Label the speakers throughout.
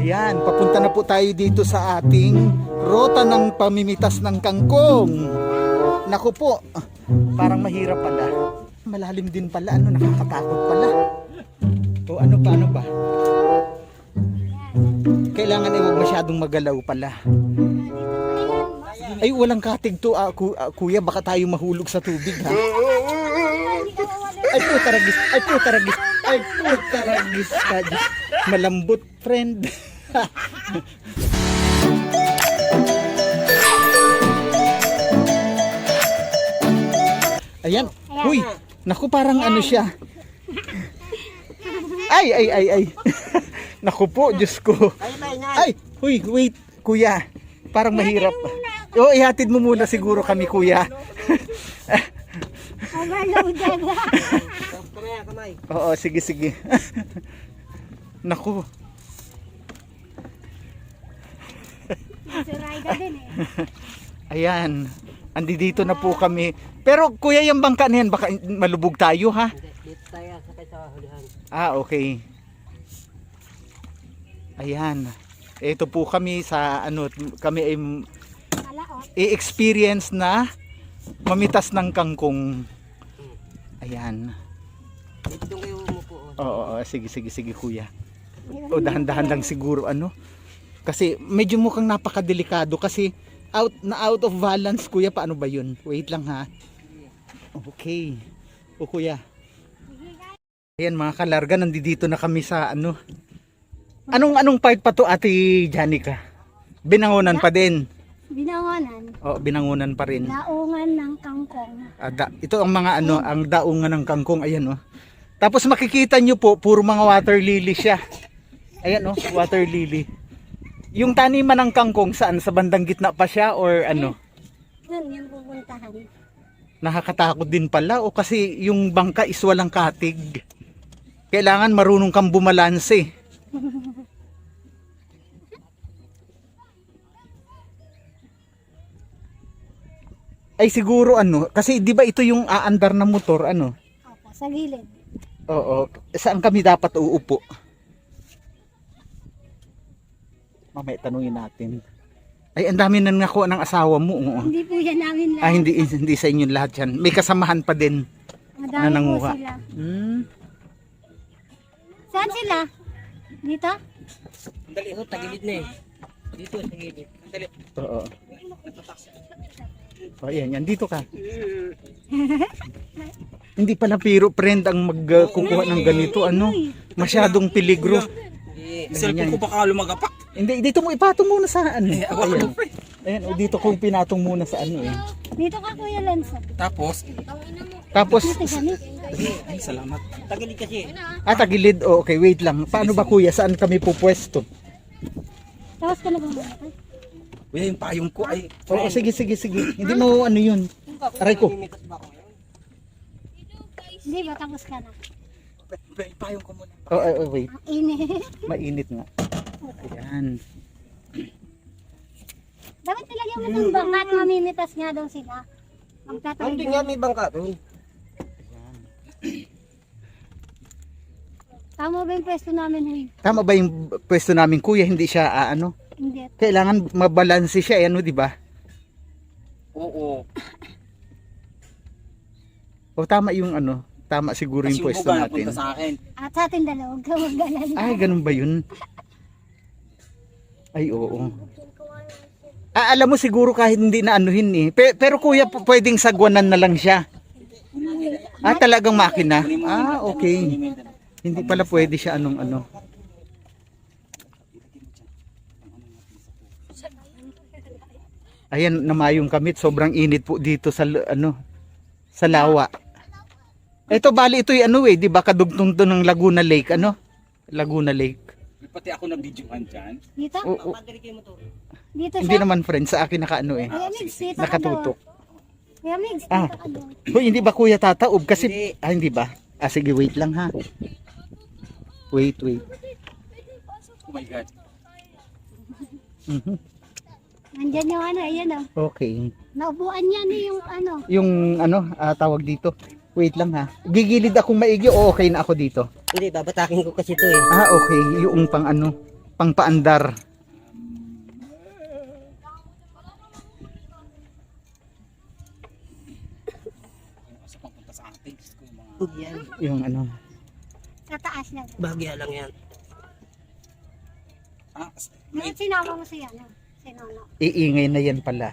Speaker 1: Ayan, papunta na po tayo dito sa ating rota ng pamimitas ng kangkong. Naku po, parang mahirap pala. Malalim din pala, nakakatakot pala. O ano ba? Kailangan ay huwag masyadong magalaw pala. Ay, walang katig to, kuya, baka tayo mahulog sa tubig, ha? Ay, putaragis ka. Malambot, friend. Ayan. Huy, naku, parang ano siya. Ay. Naku po, Diyos ko. Ay, huy, wait, kuya. Parang mahirap. O, ihatid mo muna siguro kami, kuya. Oo, sige. Naku. Ayan. Andito na po kami. Pero kuya, yung bangka na yan, baka malubog tayo, ha?
Speaker 2: Dito tayo sakay sa hulihan.
Speaker 1: Okay. Ayan. Ito po kami sa kami ay i-experience na mamitas ng kangkong. Ayan.
Speaker 2: Dito kayo umupo.
Speaker 1: Oo, sige kuya. O dahan-dahan lang siguro kasi medyo mukhang napakadelikado kasi out of balance, kuya. Paano ba yun? Wait lang, ha. Okay. O kuya. Ayan mga kalarga, nandito na kami sa Anong part pa to, Ate Janica? Binangonan pa din.
Speaker 3: Binangonan.
Speaker 1: Oh, binangonan pa rin.
Speaker 3: Daungan ng kangkong.
Speaker 1: Ito ang mga ang daungan ng kangkong, ayan oh. Tapos makikita nyo po, puro mga water lily siya. Ayan oh, water lily. Yung taniman ng kangkong saan? Sa bandang gitna pa siya or ano?
Speaker 3: Doon yung pupuntahan.
Speaker 1: Nakakatakot din pala o kasi yung bangka is walang katig. Kailangan marunong kang bumalanse. Ay siguro kasi di ba ito yung aandar na motor
Speaker 3: Opo, sa gilid.
Speaker 1: Oo, saan kami dapat uupo? Mamaya tanungin natin. Ay, ang dami na nakuha ng asawa mo.
Speaker 3: Hindi po yan namin lahat.
Speaker 1: Hindi sa inyo lahat yan. May kasamahan pa din
Speaker 3: Madami
Speaker 1: na nanguha.
Speaker 3: po sila. Saan sila? Dito?
Speaker 2: Dali ho, tagilid na eh. Dito, tagilid. Dali.
Speaker 1: Oo. O, yan. Dito ka. Hindi pala piro, friend, ang magkukuha ng ganito. Masyadong peligro.
Speaker 2: Cellphone ko baka lumagapak.
Speaker 1: Hindi, dito mo ipatong muna sa Ayan. Ayan, dito ko pinatong muna sa
Speaker 3: Dito ka, Kuya Lanza.
Speaker 2: Tapos,
Speaker 3: Dito kami.
Speaker 2: ay salamat. Tagilid kasi.
Speaker 1: Tagilid. Okay, wait lang. Paano ba kuya? Saan kami pupwesto?
Speaker 3: Tapos ka na ba muna?
Speaker 2: Kuya, yung payong ko ay...
Speaker 1: Oo, sige. Hindi mo yun. Aray ko.
Speaker 3: Hindi ba? Tapos ka na.
Speaker 2: Yung payong ko muna.
Speaker 1: Wait.
Speaker 3: Ang init.
Speaker 1: Mainit nga. Ayan.
Speaker 3: Dapat nilagyan mo ng bangka at mamimitas nga daw sila.
Speaker 2: Hindi nga may bangka.
Speaker 3: Tama ba yung pwesto namin, Huy?
Speaker 1: Tama ba yung pwesto namin kuya? Hindi siya
Speaker 3: Hindi.
Speaker 1: Kailangan mabalanse siya, di ba?
Speaker 2: Oo.
Speaker 1: O tama yung tama siguro yung pwesto natin.
Speaker 2: Sa akin.
Speaker 3: At sa atin dalawang kawagalan.
Speaker 1: Ay, ganun ba yun? Ay, oo. Alam mo siguro kahit hindi na pero kuya, pwedeng sagwanan na lang siya. Talagang makina. Okay. Hindi pala pwede siya Ayan, namayong kamit. Sobrang init po dito sa sa lawa. Ito bali ito di ba kadugtong to ng Laguna Lake, Laguna Lake.
Speaker 2: Pati ako na videoan dyan.
Speaker 3: Dito?
Speaker 1: Oo.
Speaker 3: Dito
Speaker 1: Hindi
Speaker 3: siya?
Speaker 1: naman friend, sa akin
Speaker 3: Kuya Migs, dito ka daw.
Speaker 1: nakatutok.
Speaker 3: Kuya Migs, dito ka daw.
Speaker 1: Hoy, hindi ba kuya tataob kasi hindi ba? Sige, wait lang ha. Wait.
Speaker 2: Oh my God.
Speaker 3: Nandyan yung ayan
Speaker 1: Okay.
Speaker 3: Naupuan niya yung
Speaker 1: Yung tawag dito. Wait lang ha. Gigilid akong maigi o okay na ako dito?
Speaker 2: Hindi, babatakin ko kasi ito eh.
Speaker 1: Okay. Yung pang Pangpaandar.
Speaker 2: Sa pagpunta sa atin, Diyos ko, yung mga...
Speaker 4: Yan.
Speaker 1: Yung ano.
Speaker 3: Sa taas na.
Speaker 4: Bahagya lang yan.
Speaker 2: Ah,
Speaker 3: Ngayon sinama mo si ano, si Nono.
Speaker 1: Iingay na yan pala.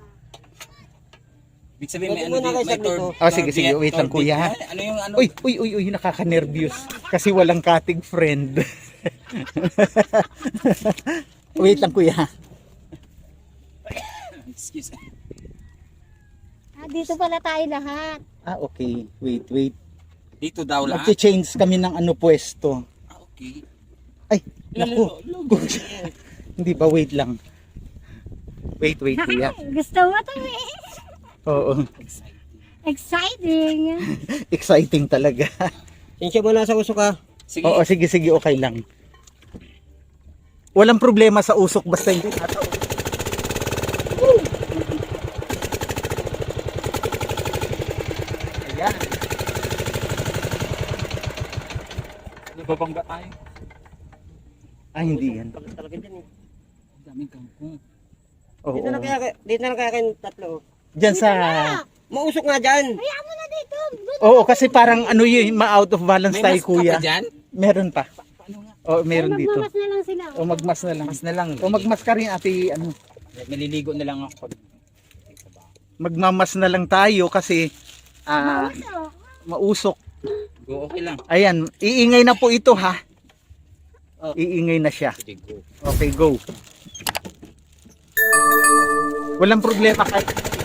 Speaker 2: ibig sabihin may
Speaker 4: Pwede
Speaker 2: ano
Speaker 4: muna
Speaker 2: dito,
Speaker 4: kayo
Speaker 2: may
Speaker 4: saglit,
Speaker 2: third...
Speaker 4: oh.
Speaker 1: Oh, sige, sige, wait lang,
Speaker 2: third
Speaker 1: kuya.
Speaker 2: date. Ano yung ano?
Speaker 1: Uy, nakaka-nervyos. Kasi walang cutting friend. Wait lang, kuya.
Speaker 2: Excuse me.
Speaker 3: Dito pala tayo lahat.
Speaker 1: Okay. Wait.
Speaker 2: Dito daw lahat?
Speaker 1: Mag-change kami ng ano pwesto.
Speaker 2: Ah, okay.
Speaker 1: Ay, naku. Hindi ba, wait lang. Wait, kuya.
Speaker 3: Gusto mo to eh.
Speaker 1: Oo.
Speaker 3: Exciting.
Speaker 1: Exciting talaga.
Speaker 4: Sinsya mo na sa usok ha.
Speaker 2: Sige.
Speaker 1: Oo, sige, okay lang. Walang problema sa usok basta hindi tataon. Ayan.
Speaker 2: Nababangga tayo.
Speaker 1: Hindi yan.
Speaker 4: Bakit talaga dyan eh.
Speaker 2: Ang daming kangkong.
Speaker 1: Oo.
Speaker 4: Dito na kaya kayong tatlo.
Speaker 1: Diyan sa...
Speaker 4: Mausok nga dyan.
Speaker 3: Hayaan mo na dito.
Speaker 1: Oo, kasi parang ano yun, ma-out of balance
Speaker 2: May
Speaker 1: tayo,
Speaker 2: mask ka
Speaker 1: kuya.
Speaker 2: pa dyan?
Speaker 1: Meron pa.
Speaker 2: Paano nga?
Speaker 1: Oo, meron dito.
Speaker 3: Magmamas na lang sila.
Speaker 1: O magmas na lang.
Speaker 2: Mas na lang.
Speaker 1: O magmas ka rin, ate, ano.
Speaker 2: Maliligo na lang ako.
Speaker 1: Magmamas na lang tayo kasi
Speaker 3: Mausok.
Speaker 1: mausok.
Speaker 2: Go, okay lang.
Speaker 1: Ayan, iingay na po ito, ha.
Speaker 2: Oh.
Speaker 1: Iingay na siya.
Speaker 2: Sige, go.
Speaker 1: Okay, go. Walang problema kahit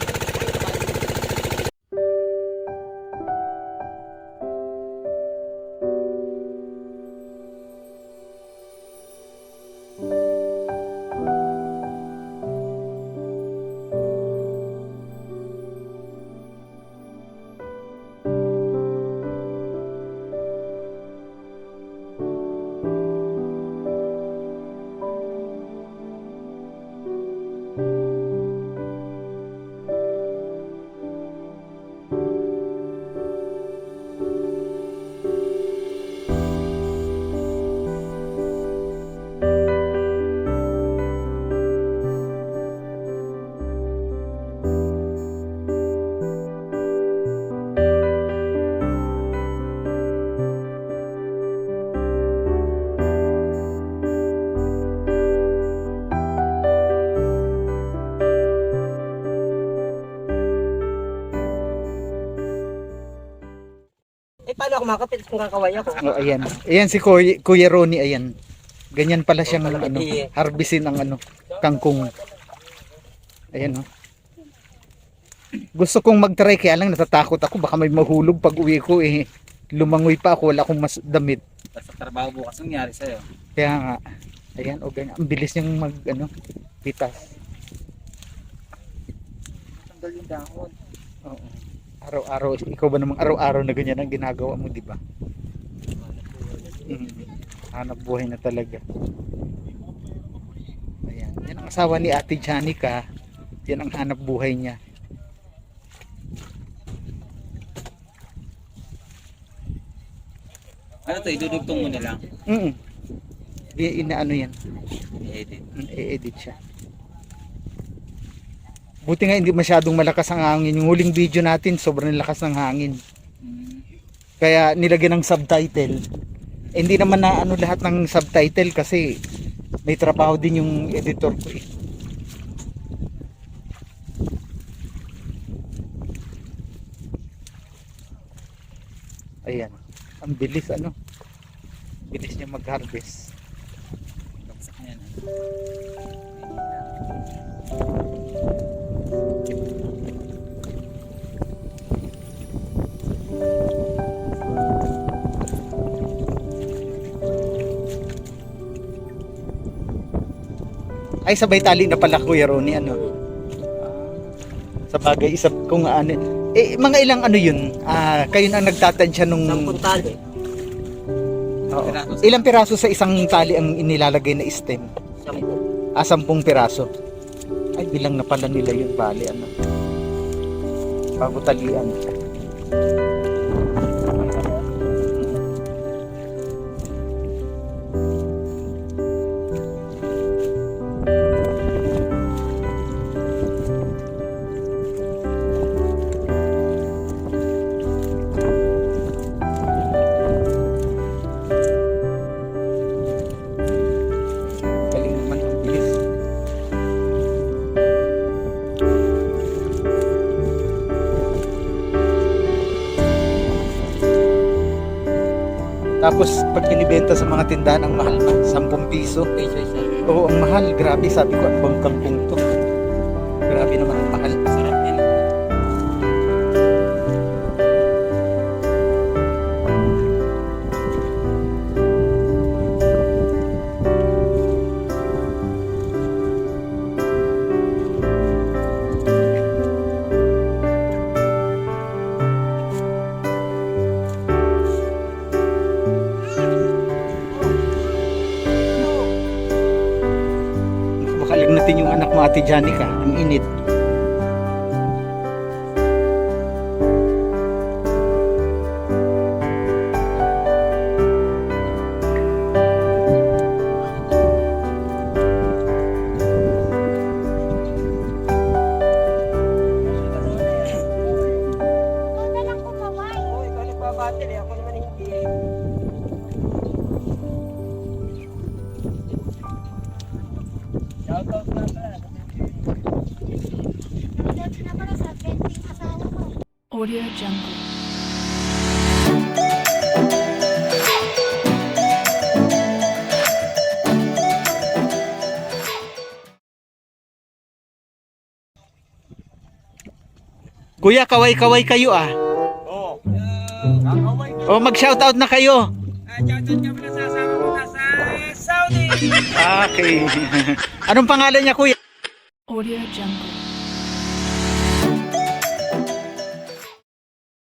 Speaker 4: Eh paano ako makapit kung kakaway ako?
Speaker 1: oh, ayan. Ayan si Kuya Ronnie, ayan. Ganyan pala siyang
Speaker 4: talaga,
Speaker 1: ano,
Speaker 4: eh.
Speaker 1: harbisin ang ano, kangkong. Ayan oh. Gusto kong mag-try kaya lang natatakot ako baka may mahulog pag uwi ko eh. Lumangoy pa ako, wala akong mas damit.
Speaker 2: Sa trabaho bukas nangyari sa'yo.
Speaker 1: Kaya nga, ayan o ganyan. Ang bilis niyang mag ano, pitas.
Speaker 2: Tanggal yung dahon.
Speaker 1: Oo. Araw-araw, ikaw ba namang araw-araw na ganyan ang ginagawa mo, di ba? Hanap buhay na talaga. Ayan. Yan ang asawa ni Ate Janica. Yan ang hanap buhay niya.
Speaker 2: Ano to, idudugtong mo na lang.
Speaker 1: Inaano yan.
Speaker 2: I-edit.
Speaker 1: I-edit siya. Buti nga hindi masyadong malakas ang hangin. Yung huling video natin, sobrang lakas ng hangin. Kaya nilagyan ng subtitle. Hindi naman na ano lahat ng subtitle kasi may trabaho din yung editor ko eh. Ayan. Ang bilis ano. Bilis niya mag-harvest.
Speaker 2: Bagsak na yan.
Speaker 1: Ay, sabay tali na pala Kuya Ronnie, ano? Sa bagay, isa kung ano. Eh, mga ilang ano yun? Kayo na nagtatansya nung...
Speaker 4: 10 tali.
Speaker 1: Oo. Ilang piraso sa isang tali ang inilalagay na stem?
Speaker 4: 10.
Speaker 1: 10 piraso. Ay, bilang na pala nila yun, bali, ano? Bago talian. Tapos pag binibenta sa mga tindahan ang mahal na, 10 piso.
Speaker 2: Peso isa.
Speaker 1: Oo, ang mahal. Grabe, sabi ko, ano bang kangkong to? Grabe naman ang mahal.
Speaker 2: Sarap yan.
Speaker 1: Makalagnatin yung anak mo, Ate Janica. Ang init.
Speaker 3: Ikaw na lang kumaway.
Speaker 4: Oo, ikaw nagbabattle eh. Ako naman hindi eh. Shoutout na pala.
Speaker 3: Nandito na pala sa benting asawa ko.
Speaker 5: Audio Jungle.
Speaker 1: Kuya, kaway-kaway kayo ah.
Speaker 4: Oo. Kakaway ko.
Speaker 1: O, mag-shoutout na kayo.
Speaker 4: Shoutout ka pala sa asawa ko na sa Saudi.
Speaker 1: Okay. Anong pangalan niya, kuya?
Speaker 5: Audio Jungle.